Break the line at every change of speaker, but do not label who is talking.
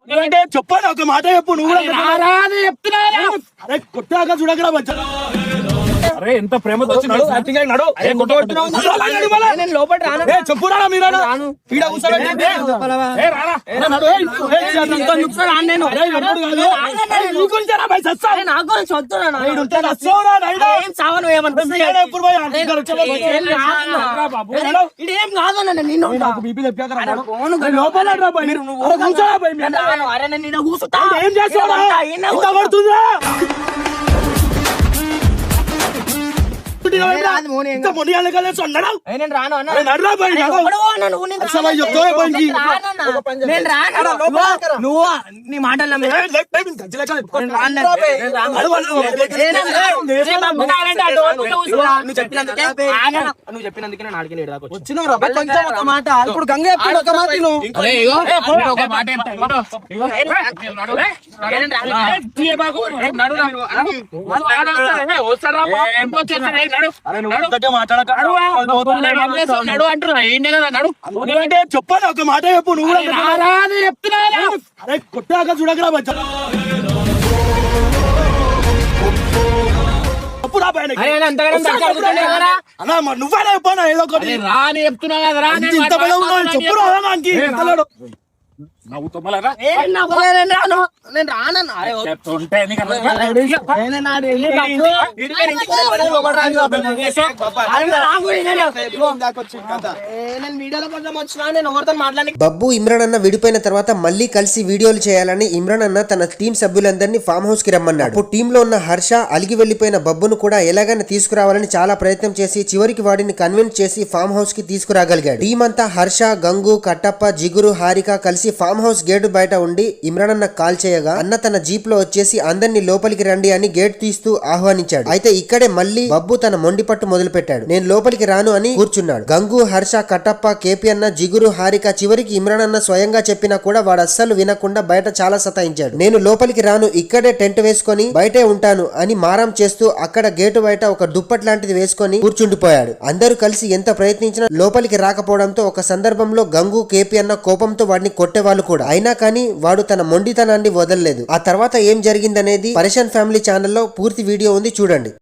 చెప్పాను ఒక మాట చెప్పు నువ్వు కొట్టాక చూడకరా వచ్చా అరే ఎంత ప్రేమతో వచ్చినాడు చెప్పురా మీరు ఏం చేస్తా
నువ్వు నీ మాటలు చెప్పినందుకే నేను అడిగిన మాట ఇప్పుడు గంగ ఒక మాట
చెప్పాను ఒక మాట చెప్పు నువ్వు అరే కొట్టాక చూడకరా వచ్చా నువ్వేనా చెప్పాను ఏదో ఒకటి
రాని చెప్తున్నా కదా
చెప్పు
బబ్బు ఇమ్రాన్ అన్న విడిపోయిన తర్వాత మళ్ళీ కలిసి వీడియోలు చేయాలని ఇమ్రాన్ అన్న తన టీం సభ్యులందరినీ ఫామ్ హౌస్ కి రమ్మన్నాడు. అప్పుడు టీమ్ లో ఉన్న హర్ష అలిగి వెళ్లిపోయిన బబ్బును కూడా ఎలాగైనా తీసుకురావాలని చాలా ప్రయత్నం చేసి చివరికి వాడిని కన్విన్స్ చేసి ఫామ్ హౌస్ కి తీసుకురాగలిగాడు. టీం అంతా హర్ష, గంగు, కట్టప్ప, జిగురు, హారిక కలిసి ఫామ్ హౌస్ గేటు బయట ఉండి ఇమ్రాన్ అన్న కాల్ చేయగా అన్న తన జీప్ లో వచ్చేసి అందరినీ లోపలికి రండి అని గేట్ తీస్తూ ఆహ్వానించాడు. అయితే ఇక్కడే మళ్ళీ బబ్బు తన మొండి పట్టు మొదలు పెట్టాడు. నేను లోపలికి రాను అని కూర్చున్నాడు. గంగు, హర్ష, కట్టప్ప, కేపీ అన్న, జిగురు, హారిక చివరికి ఇమ్రాన్ అన్న స్వయంగా చెప్పినా కూడా వాడు అస్సలు వినకుండా బయట చాలా సతాయించాడు. నేను లోపలికి రాను, ఇక్కడే టెంట్ వేసుకొని బయటే ఉంటాను అని మారం చేస్తూ అక్కడ గేటు బయట ఒక దుప్పట్ లాంటిది వేసుకొని కూర్చుండిపోయాడు. అందరూ కలిసి ఎంత ప్రయత్నించినా లోపలికి రాకపోవడంతో ఒక సందర్భంలో గంగు, కేపీ అన్న కోపంతో వాడిని కొట్టేవాళ్ళు కూడా. అయినా కానీ వాడు తన మొండితనాన్ని వదలలేదు. ఆ తర్వాత ఏం జరిగిందనేది పరేషాన్ ఫ్యామిలీ ఛానల్లో పూర్తి వీడియో ఉంది, చూడండి.